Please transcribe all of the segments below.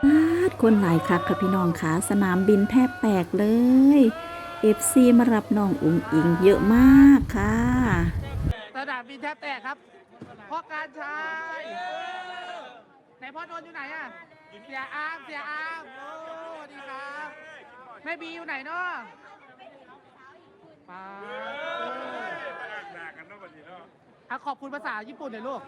คนหลายคักค่ะพี่น้องค่ะสนามบินแทบแตกเลย FC มารับน้องอุ๋งอิงเยอะมากค่ะสนามบินแทบแตกครับพ่อการชายไหนพ่อโดนอยู่ไหนอ่ะเสียอามโอ้สวัสดีครับแม่บีอยู่ไหนเนาะป้าขอบคุณภาษาญี่ปุ่นหน่อยลูก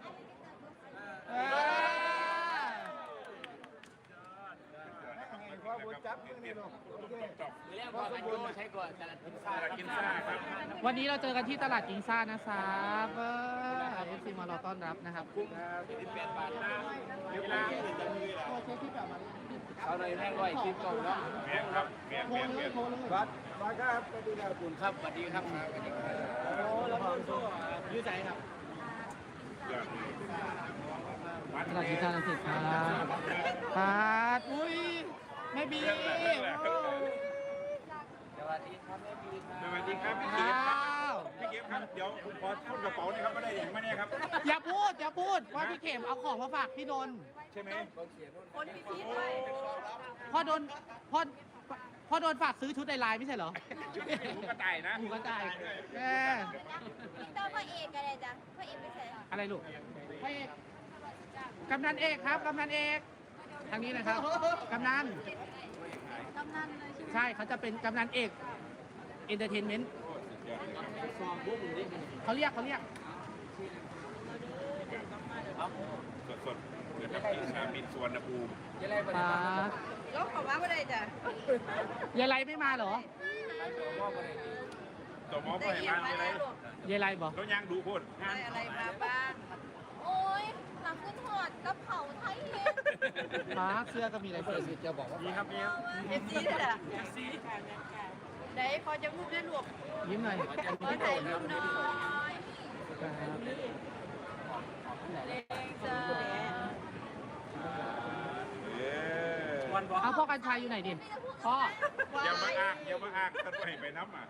วันนี้เราเจอกันที่ตลาดกินซ่านะครับFC มารอต้อนรับนะครับเอาเลยแม่ร้อยคลิปก่อนเนาะแม่ครับแม่วัดครับสวัสดีครับคุณครับสวัสดีครับโอ้แล้วก็ยืดใจครับตลาดกินซ่านะสิครับปาดอุ้ยแม่บีสวัสดีครับแม่บีสวัสดีครับพี่เกฟครับพี่เกฟครับเดี๋ยวผมขอพูดกระเป๋านี่ครับไม่ได้อย่างไม่แน่ครับอย่าพูดว่าพี่เข็มเอาของมาฝากพี่นนท์ใช่ไหมคนพิธีพ่อโดนฝากซื้อชุดในไลน์ไม่ใช่เหรอหมูกระต่ายนะหมูกระต่ายเจ้าพระเอกอะไรจ๊ะพระเอกไม่ใช่อะไรลูกพระเอกกำนันเอกครับกำนันเอกทางนี้นะครับกำนันเลยใช่เขาจะเป็นกำนันเอกเอนเตอร์เทนเมนต์เขาเรียกสดๆเกิดจากสนามบินสุวรรณภูมิยกของว่าอะไรจ๊ะยายไรไม่มาเหรอตัวหมอไปบ้านอะไรยายไรบอกแล้วยังดูพูดอะไรมาบ้างโอ้ยหลังขึ้นหอดกระเป๋าไทยเองเสื้อก็มีอะไรเสื้อจะบอกว่ามีครับมีเอฟซีด้วยล่ะไหนขอจะรูปได้ลูกยิ้มหน่อยขอถ่ายรูปหน่อยเอาพ่อกัญชัยอยู่ไหนดิพ่ออย่ามาอ้างท่านไปน้ำอ่ะ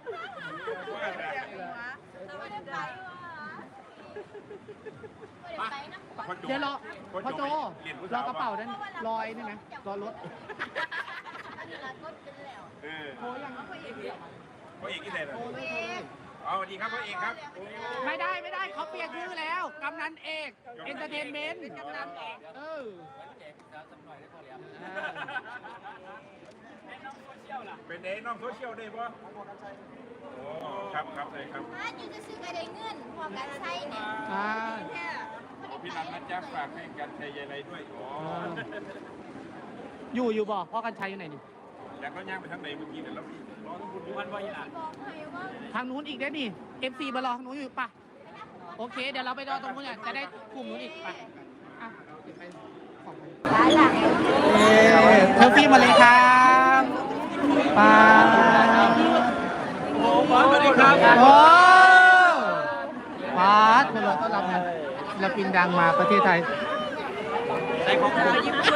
เดี๋ยวรอพ่อโจรอกระเป๋านั้นลอยนี่ไหมรอรถโทรยังพ่อเอกที่ไหนล่ะเอาสวัสดีครับพ่อเอกครับไม่ได้เขาเปลี่ยนชื่อแล้วกำนันเอกเอนเตอร์เทนเมนต์เป็นเด็กน้องโซเชียลได้ปะโอ้ครับเลยครับอยู่จะซื้อกระไดเงินพอกันใช่เนี่ยพี่นันนะจ๊ะฝากให้กันชัยยายไรด้วยอยู่บอกพ่อกันชัยอยู่ไหนนี่อยากก็ย่างไปทางไหนเมื่อกี้เดี๋ยวเรารอต้องคุณดูวันว่าอย่างทางนู้นอีกได้นี่ FC มารอทางนู้นอยู่ปะโอเคเดี๋ยวเราไปรอตรงนู้นจะได้กลุ่มนู้นอีกปะเทลฟี่มาเลยครับป้าโอ้ป้าสวัสดีครับโอ้ป้าคนเราต้อนรับนะศิลปินดังมาประเทศไทยใช้ของญี่ปุ่น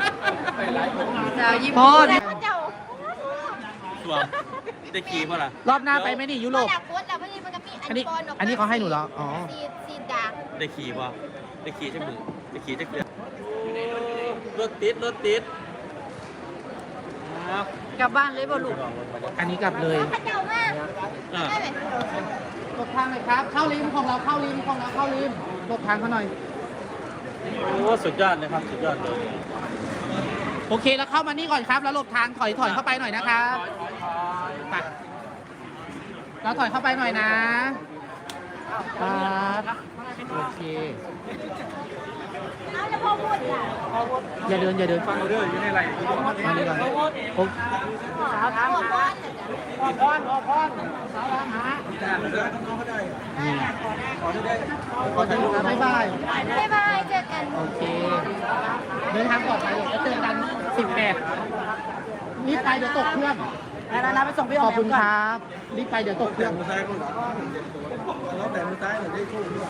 ญี่ปุ่นสวมได้ขี่ป่ะล่ะรอบหน้าไปไหมนี่ยุโรปอันนี้เขาให้หนูเหรออ๋อซีดาได้ขี่ป่ะได้ขี่ใช่ไหมได้ขี่จะเกลือรถติดกลับบ้านเลยบ่ลูกอันนี้กลับเลยหลบทางหน่อยครับเข้าริมของเราเข้าริมหลบทางเขาหน่อยโอ้สุดยอดเลยครับสุดยอดเลยโอเคแล้วเข้ามานี่ก่อนครับแล้วหลบทางถอยเข้าไปหน่อยนะครับไปเราถอยเข้าไปหน่อยนะครับโอเคอย่าเดินฟังเรื่องอยู่ในไรมาดีกว่าโอ้สาวทางหาออกพรสาวทางหาน้องเขาได้ขอจะดูนะบ๊ายบายเจอกันโอเคเดินทางปลอดภัยแล้วเจอกัน18รีบไปเดี๋ยวตกเครื่องแล้วไปส่งพี่ขอบคุณครับรีบไปเดี๋ยวตกเครื่องแล้วแต่มือซ้ายหน่อยได้คู่ด้วย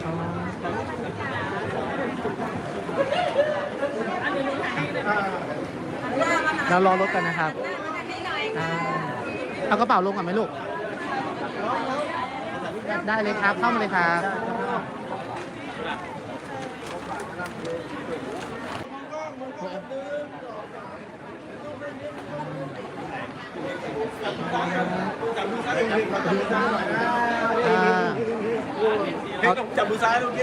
เรารอรถกันนะครับเอากระเป๋าลงก่อนไหมลูกได้เลยครับเข้ามาเลยครับจับมือซ้ายโอเค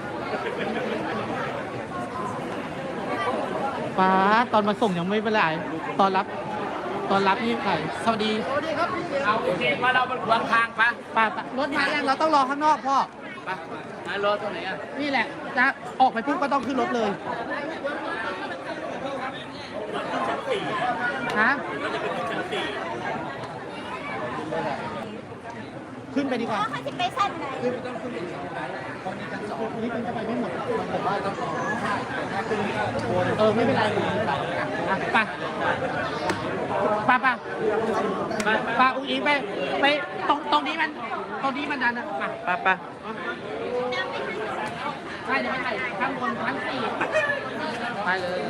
ป้าตอนมาส่งยังไม่เป็นไรตอนรับนี่ใครสวัสดีครับเอาโอเคมาเราเป็นขวางทางปะป้ารถมายังเราต้องรอข้างนอกพ่อปะมารอตรงไหนอ่ะนี่แหละจะออกไปปุ๊บก็ต้องขึ้นรถเลยฮะขึ้นไปดีกว่าเขาจะไปสั้นไหนนี่มันจะไปไม่หมดผมว่าต้องไม่เป็นไรไปไปอุ้งอิงไปตรงนี้มันดันนะไปใช่เดี๋ยวไม่ถ่ายข้างบนชั้น4ไปเลย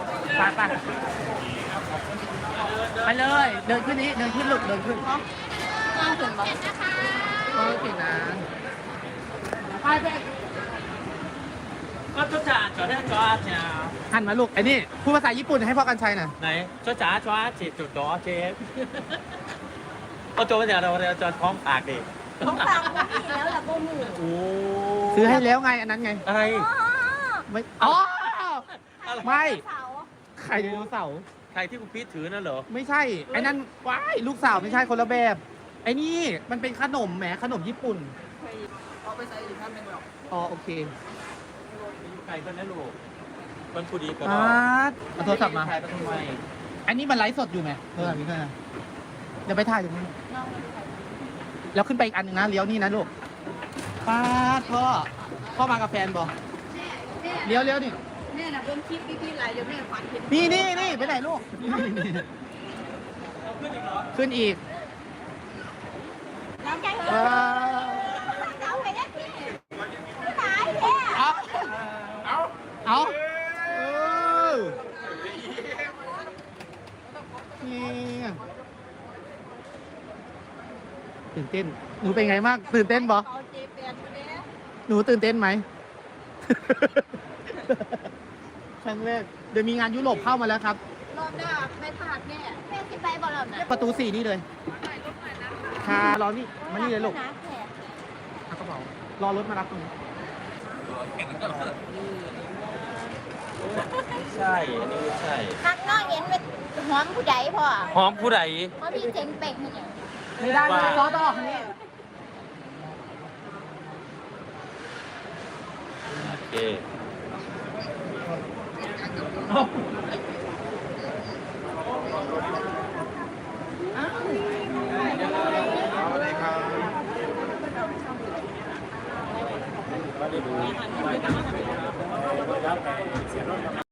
ไปเลยเดินขึ้นนี้เดินขึ้นลูกเดินขึ้นน่าถึงบอกเก่งนะไปก็จ้าจ๋าจอดได้จอดจ้าหันมาลูกไอ้นี่พูดภาษาญี่ปุ่นให้พ่อกันชัยหน่อยไหนจอจ๋าจอดจีจุดจอเชฟเอาตัวมาจากเราจอดพร้อมปากดิของฟังก็มีแล้วแหละโบหมูโอ้ซื้อให้แล้วไงอันนั้นไงอะไรไม่อ๋อไม่เสาไข่ไดโนเสาร์ใครที่คุณพีทถือนั่นเหรอไม่ใช่ไอ้นั่นว้ายลูกสาวไม่ใช่คนละแบบไอ้นี่มันเป็นขนมแหมขนมญี่ปุ่นเอาไปใส่อีกท่านเป็นแบบอ๋อโอเคใครคนนั้นลูกมันผู้ดีกว่าเอาโทรศัพท์มาถ่ายไปทำไมอันนี้มันไลฟ์สดอยู่ไหมโทรศัพท์นี้ก็เดี๋ยวไปถ่ายตรงนี้แล้วขึ้นไปอีกอันหนึ่งนะเลี้ยวนี่นะลูกป้าพ่อมากับแฟนบอกเลี้ยวนี่แม่น่ะเบิ้งคลิปพี่ๆหลายเดี๋ยวแม่ฝันเห็นนี่ไปไหนลูกขึ้นอีกน้ำใจเฮ้ยเอาไปได้พี่ตายแท้เอานี่ตื่นเต้นหนูเป็นไงมากตื่นเต้นบอเอาเจแปนมาเนี่ยหนูตื่นเต้นไหม ครั้งแรกเดี๋ยวมีงานยุโรปเข้ามาแล้วครับรอบหน้าไม่พลาดแน่แม่สิไปบ่รอบหน้าประตู 4 นี่เลยค่ะรอนี่มานี่เลยลูกนะแขกเอากระเป๋ารอรถมารับตรงนี้ไม่ใช่อันนี้ไม่ใช่ข้างนอกเห็นเป็นหอมผู้ใดพ่อหอมผู้ใดเพราะพี่เจ๋งเป็กเนี่ยไม่ได้ไม่ได้รอต่อคันนี้โอเคไม่ได้ดู